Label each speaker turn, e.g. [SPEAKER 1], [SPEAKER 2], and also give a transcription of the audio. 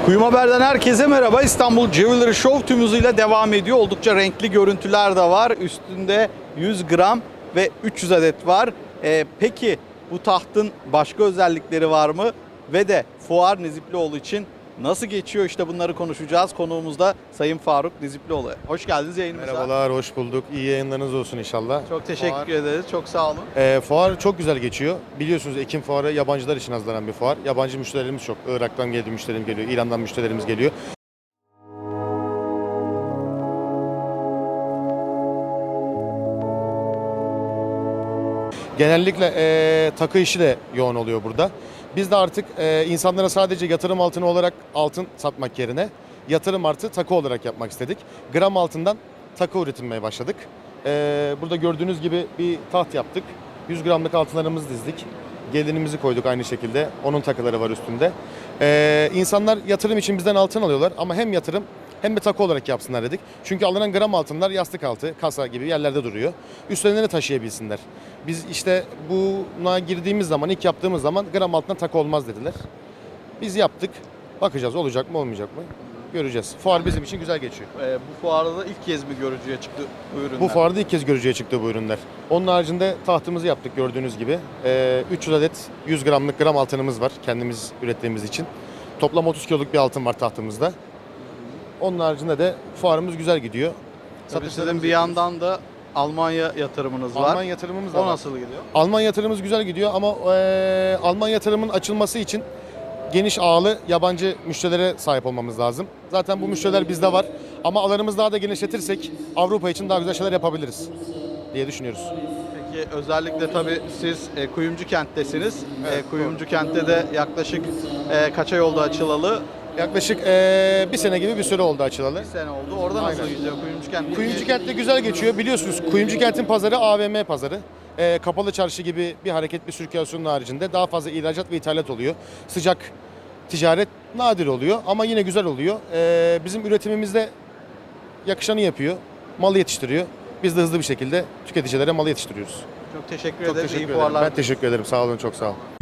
[SPEAKER 1] Kuyum Haber'den herkese merhaba. İstanbul Jewelry Show tüm hızıyla devam ediyor. Oldukça renkli görüntüler de var. Üstünde 100 gram ve 300 adet var. Peki bu tahtın başka özellikleri var mı? Ve de Fuar Niziplioğlu için nasıl geçiyor? İşte bunları konuşacağız. Konuğumuz da Sayın Faruk Niziplioğlu. Hoş geldiniz yayınımıza.
[SPEAKER 2] Merhabalar, hoş bulduk. İyi yayınlarınız olsun inşallah.
[SPEAKER 1] Çok teşekkür ederiz. Çok sağ olun.
[SPEAKER 2] Fuar çok güzel geçiyor. Biliyorsunuz Ekim fuarı yabancılar için hazırlanan bir fuar. Yabancı müşterilerimiz çok. Irak'tan geliyor müşterimiz geliyor, İran'dan müşterilerimiz geliyor. Genellikle takı işi de yoğun oluyor burada. Biz de artık insanlara sadece yatırım altını olarak altın satmak yerine yatırım artı takı olarak yapmak istedik. Gram altından takı üretilmeye başladık. Burada gördüğünüz gibi bir taht yaptık. 100 gramlık altınlarımızı dizdik. Gelinimizi koyduk aynı şekilde. Onun takıları var üstünde. İnsanlar yatırım için bizden altın alıyorlar ama hem yatırım hem de takı olarak yapsınlar dedik. Çünkü alınan gram altınlar yastık altı, kasa gibi yerlerde duruyor. Üstlerine de taşıyabilsinler. Biz işte buna girdiğimiz zaman, ilk yaptığımız zaman gram altına takı olmaz dediler. Biz yaptık. Bakacağız olacak mı olmayacak mı? Göreceğiz. Fuar bizim için güzel geçiyor.
[SPEAKER 1] Bu fuarda da ilk kez mi görücüye çıktı bu ürünler?
[SPEAKER 2] Bu fuarda ilk kez görücüye çıktı bu ürünler. Onun haricinde tahtımızı yaptık gördüğünüz gibi. 300 adet 100 gramlık gram altınımız var kendimiz ürettiğimiz için. Toplam 30 kiloluk bir altın var tahtımızda. Onun haricinde de fuarımız güzel gidiyor.
[SPEAKER 1] Tabii sizin bir yandan da Almanya yatırımınız var.
[SPEAKER 2] Alman yatırımımız da
[SPEAKER 1] O
[SPEAKER 2] var.
[SPEAKER 1] nasıl gidiyor?
[SPEAKER 2] Alman yatırımımız güzel gidiyor ama Alman yatırımın açılması için geniş ağlı yabancı müşterilere sahip olmamız lazım. Zaten bu müşteriler bizde var ama alanımızı daha da genişletirsek Avrupa için daha güzel şeyler yapabiliriz diye düşünüyoruz.
[SPEAKER 1] Peki özellikle tabii siz Kuyumcu Kent'tesiniz.
[SPEAKER 2] Evet,
[SPEAKER 1] Kuyumcu Kent'te de yaklaşık kaç ay oldu açılalı?
[SPEAKER 2] Yaklaşık bir sene gibi bir süre oldu açılalı.
[SPEAKER 1] Bir sene oldu. Orada nasıl
[SPEAKER 2] Aynen.
[SPEAKER 1] gidiyor Kuyumcu Kent?
[SPEAKER 2] Kuyumcu Kent'te güzel geçiyor. Biliyorsunuz Kuyumcu Kent'in pazarı AVM pazarı. Kapalı çarşı gibi bir hareket, bir sirkülasyonun haricinde daha fazla ihracat ve ithalat oluyor. Sıcak ticaret nadir oluyor ama yine güzel oluyor. Bizim üretimimizde yakışanı yapıyor, malı yetiştiriyor. Biz de hızlı bir şekilde tüketicilere malı yetiştiriyoruz.
[SPEAKER 1] Çok teşekkür
[SPEAKER 2] Çok
[SPEAKER 1] ederiz.
[SPEAKER 2] teşekkür
[SPEAKER 1] İyi
[SPEAKER 2] ederim.
[SPEAKER 1] fuarlar.
[SPEAKER 2] Ben teşekkür ederim. Sağ olun, çok sağ olun.